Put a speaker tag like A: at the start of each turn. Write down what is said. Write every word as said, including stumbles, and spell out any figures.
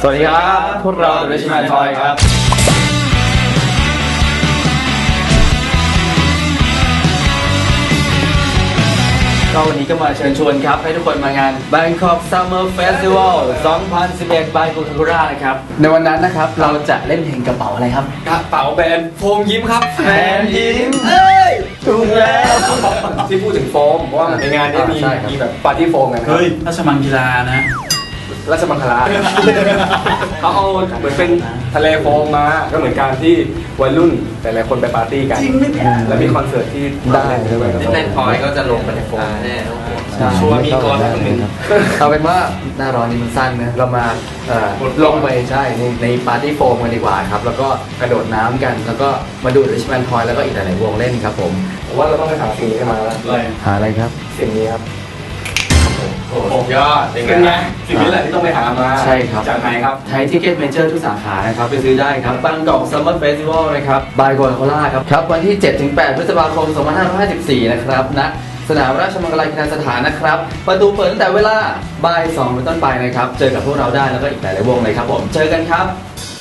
A: สวัสดีครับพวกเราเดอะริชแมนทอยครับก็วันนี้ก็มาเชิญชวนครับให้ทุกคนมางาน Bangkok Summer Festival สองพันสิบเอ็ด by Coca-Cola นะครับในวันนั้นนะครับเราจะเล่นเพลงกระเป๋าอะไรครับ
B: กระเป๋าแบรนด์โฟมยิ้มครับ
A: แบรนด์ยิ้มเอ้ยถูกแล้ว
B: ที่พูดถึงโฟมเพราะว่าในงานนี้มีมีแบบปาร์ตี้โฟมกันครับ
C: เฮ้ยราชมังกีฬานะ
B: ราชมังคลาเขาเอาเหมือนเป็นทะเลโฟมมาก็เหมือนการที่วัยรุ่นแต่หลายคนไปปาร์ตี้กันแล้วมีคอนเสิร์ตที่
A: ได้ด้วย
D: เล่นพอยก็จะลงไปในโฟมแน่
A: ชัวร์มีกรคนหนึ่งเอาเป็นว่าหน้าร้อนนี้มันสั้นนะเรามาลงไปใช่ในในปาร์ตี้โฟมกันดีกว่าครับแล้วก็กระโดดน้ำกันแล้วก็มาดูริชแมนทอยแล้วก็อีกหลายๆวงเล่นครับผม
B: ผมว่าเราต้องไปหาสิ่งนี้มาแล้ว
A: หาอะไรครับ
B: สิ่งนี้ครับ
D: โอ้ยอด
B: เป็นไงสิ่งนี้แหละที่ต้องไปหามา
A: ใช่ครับ
B: จากไหนครับ
A: ไทยทิเก็ตเมเจอร์ทุกสาขานะครับไปซื้อได้ครับบางกอกซัมเมอร์เฟสติวัลนะครับบายโคคาโคล่าครับครับวันที่ เจ็ดถึงแปด พฤษภาคม สองพันห้าร้อยห้าสิบสี่นะครับณสนามราชมังคลากีฬาสถานนะครับประตูเปิดตั้งแต่เวลาบ่ายสองเป็นต้นไปนะครับเจอกับพวกเราได้แล้วก็อีกหลายๆวงเลยครับผมเจอกันครับ